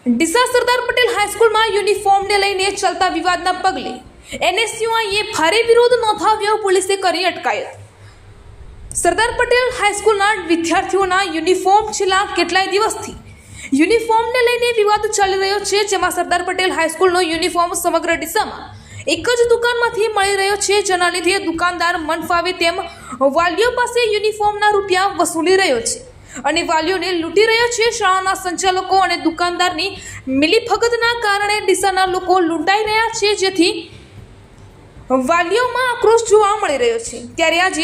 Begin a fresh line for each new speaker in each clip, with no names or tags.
ડીસા સરદાર પટેલ હાઈસ્કૂલમાં યુનિફોર્મને લઈને ચાલતા વિવાદના પગલે એનએસયુઆઈએ ભારે વિરોધ નોંધાવ્યો, પોલીસે કરી અટકાયત। સરદાર પટેલ હાઈસ્કૂલના વિદ્યાર્થીઓના યુનિફોર્મ છેલ્લા કેટલાય દિવસથી યુનિફોર્મને લઈને વિવાદ ચાલી રહ્યો છે, જેમાં સરદાર પટેલ હાઈસ્કૂલનો યુનિફોર્મ સમગ્ર ડીસામાં એક જ દુકાનમાંથી મળી રહ્યો છે, જેના લીધે દુકાનદાર મન ફાવે તેમ વાલીઓ પાસે યુનિફોર્મના રૂપિયા વસૂલી રહ્યો છે અને વાલીઓને લૂંટી રહ્યો છે। શાળાના સંચાલકો અને દુકાનદારની મિલીભગતના કારણે ડીસાના લોકો લૂંટાઈ રહ્યા છે, જેથી વાલીઓમાં આક્રોશ જોવા મળી રહ્યો છે। ત્યારે આજે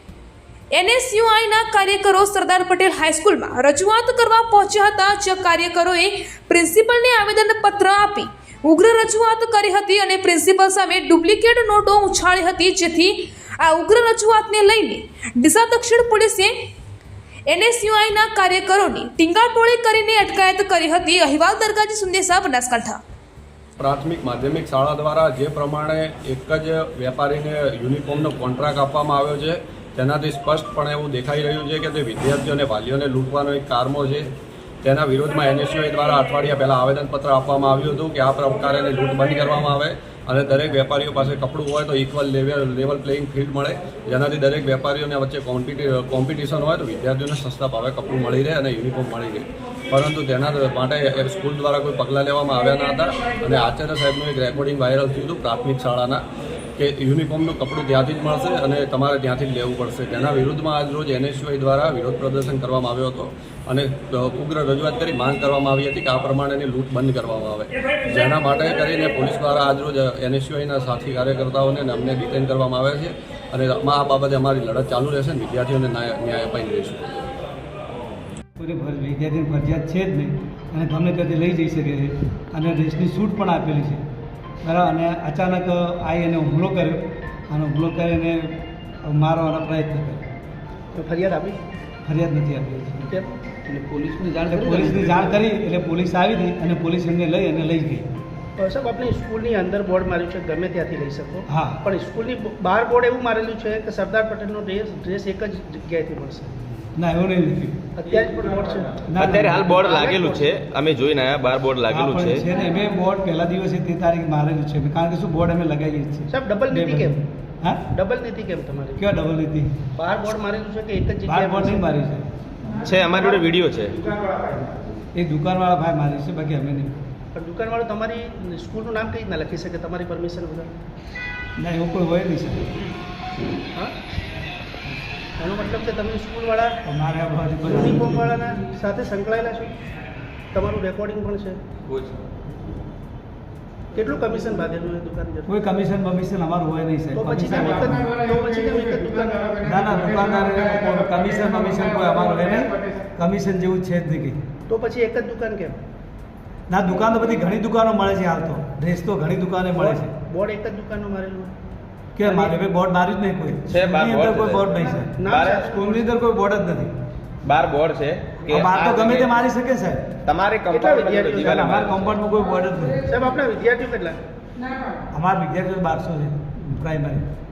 એનએસયુઆઈના કાર્યકરો સરદાર પટેલ હાઈસ્કૂલમાં રજૂઆત કરવા પહોંચ્યા હતા, જે કાર્યકરોએ પ્રિન્સિપલને આવેદનપત્ર આપી ઉગ્ર રજૂઆત કરી હતી અને પ્રિન્સિપલ સામે ડુપ્લિકેટ નોટો ઉછાળી હતી, જેથી આ ઉગ્ર રજૂઆતને લઈને ડીસા દક્ષિણ પોલીસે એનએસયુઆઈના કાર્યકરોની ટીંગાટોળી કરીને અટકાયત કરી હતી। અહેવાલ દરગાજી સંદેશા, બનાસકાંઠા।
પ્રાથમિક માધ્યમિક શાળા દ્વારા જે પ્રમાણે એક જ વેપારીને યુનિફોર્મનો કોન્ટ્રાક્ટ આપવામાં આવ્યો છે, તેનાથી સ્પષ્ટપણે એવું દેખાઈ રહ્યું છે કે તે વિદ્યાર્થીઓ અને વાલીઓને લૂંટવાનો એક કારમો છે। તેના વિરોધમાં એનએસયુઆઈ દ્વારા અઠવાડિયા પહેલાં આવેદનપત્ર આપવામાં આવ્યું હતું કે આ પ્રકારેની લૂંટ બંધ કરવામાં આવે અને દરેક વેપારીઓ પાસે કપડું હોય તો ઇક્વલ લેવલ પ્લેઇંગ ફિલ્ડ મળે, જેનાથી દરેક વેપારીઓને વચ્ચે કોમ્પિટિશન હોય તો વિદ્યાર્થીઓને સસ્તા ભાવે કપડું મળી રહે અને યુનિફોર્મ મળી રહે। પરંતુ તેના માટે સ્કૂલ દ્વારા કોઈ પગલાં લેવામાં આવ્યા ન હતા અને આચાર્ય સાહેબનું એક રેકોર્ડિંગ વાયરલ થયું હતું પ્રાથમિક શાળાના કે યુનિફોર્મનું કપડું ત્યાંથી જ મળશે અને તમારે ત્યાંથી જ લેવું પડશે। તેના વિરુદ્ધમાં આજરોજ એનએસયુઆઈ દ્વારા વિરોધ પ્રદર્શન કરવામાં આવ્યો હતો અને ઉગ્ર રજૂઆત કરી માંગ કરવામાં આવી હતી કે આ પ્રમાણેની લૂંટ બંધ કરવામાં આવે, જેના માટે કરીને પોલીસ દ્વારા આજરોજ એનએસયુઆઈના સાથી કાર્યકર્તાઓને અમને ડિટેન કરવામાં આવે છે અને આ બાબતે અમારી લડત ચાલુ રહેશે અને વિદ્યાર્થીઓને ન્યાય અપાઈ રહીશું।
વિદ્યાર્થીની ફરજિયાત છે જ નહીં અને ગમે ત્યાંથી લઈ જઈ શકે છે અને ડ્રેસની છૂટ પણ આપેલી છે, બરાબર। અને અચાનક આવી એને હુમલો કર્યો અને હુમલો કરીને મારવાનો પ્રયત્ન કર્યો।
તો ફરિયાદ આપી?
ફરિયાદ નથી આપી
કેમ? એટલે પોલીસની
જાણ કરી એટલે પોલીસ આવી હતી અને પોલીસ એમને લઈ ગઈ।
સાહેબ, આપણે સ્કૂલની અંદર બોર્ડ માર્યું છે ગમે ત્યાંથી લઈ શકો,
હા,
પણ સ્કૂલની બહાર બોર્ડ એવું મારેલું છે કે સરદાર પટેલનો ડ્રેસ એક જ જગ્યાએથી મળશે?
ના, એવું નહીં લખ્યું।
અત્યારે પણ બોર્ડ છે?
અત્યારે હાલ બોર્ડ લાગેલું છે, અમે જોઈને આવ્યા, બાર બોર્ડ લાગેલું છે
ને મેં બોર્ડ પહેલા દિવસે તે તારીખ મારેલું છે, કારણ કે શું બોર્ડ અમે લગાવીએ છીએ।
સાહેબ, ડબલ નીતિ કેમ?
હા,
ડબલ નીતિ કેમ તમારી?
ક્યાં ડબલ નીતિ?
બહાર બોર્ડ મારેલું છે કે એક જ
બાર
જગ્યાએ?
બોર્ડ નહીં મારી
છે, અમારી જોડે વિડીયો છે।
એ દુકાનવાળા ભાઈ મારી છે, બાકી અમે નહીં।
પણ દુકાનવાળો તમારી સ્કૂલનું નામ કઈ રીતના લખી શકે તમારી પરમિશન વગર?
ના, એવું કોઈ હોય નહીં સર।
હા, એનો મતલબ કે તમે સ્કૂલવાળા
અમારે
યુનિફોર્મવાળાના સાથે સંકળાયેલા છો, તમારું રેકોર્ડિંગ પણ છે। કેટલું કમિશન બાંધેલું એ દુકાન?
કોઈ કમિશન બમિશન અમારું હોય નહીં
તો પછી કેમ એક જ દુકાન?
ના, દુકાનદાર કમિશન બમિશન કોઈ અમારું હોય નહીં, કમિશન જેવું છે જ નહીં।
તો પછી એક જ દુકાન કેમ?
ના, દુકાન તો બધી ઘણી દુકાનો મળે છે હાલ તો, ડ્રેસ તો ઘણી દુકાને મળે છે।
બોર્ડ એક જ દુકાનનું મારેલું?
કે મારે ભાઈ બોર્ડ માર્યું જ નહીં કોઈ
છે, બાર
સ્કૂલની અંદર
બોર્ડ
કોઈ
છે।
બોર્ડ નહીં છે, સ્કૂલની અંદર કોઈ બોર્ડ જ નથી।
બાર બોર્ડ છે કે
બાર તો ગમે તે મારી શકે સાહેબ,
તમારે
કેટલા વિદ્યાર્થીઓ છે?
અમારા કમ્પાઉન્ડમાં કોઈ બોર્ડ જ નથી
સાહેબ, આપણા વિદ્યાર્થીઓ કેટલા?
અમારા વિદ્યાર્થીઓ 1200 છે પ્રાઇમરી।